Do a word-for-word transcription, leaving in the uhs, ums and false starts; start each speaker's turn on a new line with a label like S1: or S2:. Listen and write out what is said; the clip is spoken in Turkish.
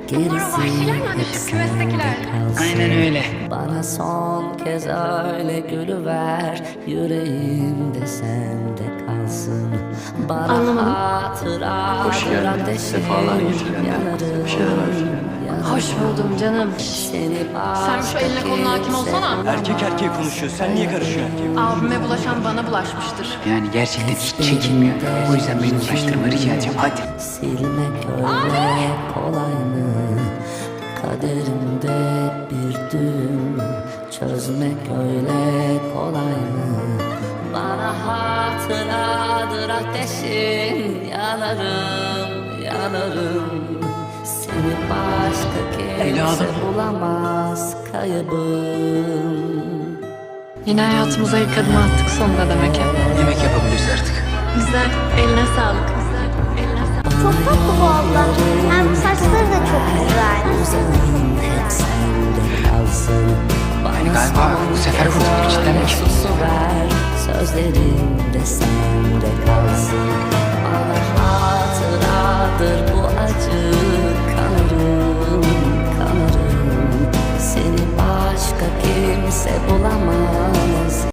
S1: Gerisi hep sende kalsın.
S2: Aynen öyle.
S1: Bana son kez öyle gülüver, yüreğimde sende kalsın. Bana
S3: Anlamadım.
S1: hatıra
S4: Hoş geldin.
S1: ateşim
S4: Sefalar getiren
S1: yanarım,
S4: bir şeyler var.
S1: yanarım.
S3: Hoş buldum canım.
S1: Seni
S3: Sen şu eline koluna hakim olsana.
S5: Erkek erkeğe konuşuyor. Sen niye karışıyorsun erkeğe?
S3: Abime bulaşan bana bulaşmıştır.
S2: Yani gerçekten hiç çekinmiyor. O yüzden beni uğraştırma rica edeceğim. Hadi.
S1: Silmek öyle kolay mı? Kaderimde bir düğüm, çözmek öyle kolay mı? Bana hatıradır ateşin, yanarım, yanarım. Seni başka kimse
S2: Evladım.
S1: bulamaz kaybım.
S3: Yine hayatımıza ilk adımı attık sonunda demek ya.
S2: Yemek yapabiliriz artık.
S3: Güzel. Eline sağlık. Güzel. Eline sağlık.
S6: Çok tatlı bu abla. Hem saçları da çok güzel.
S1: Uzanım hep sende kalsın.
S2: Yani galiba bu sefer kurtulduk cidden mi?
S1: Susu ver, sözlerim de sende kalsın. Bana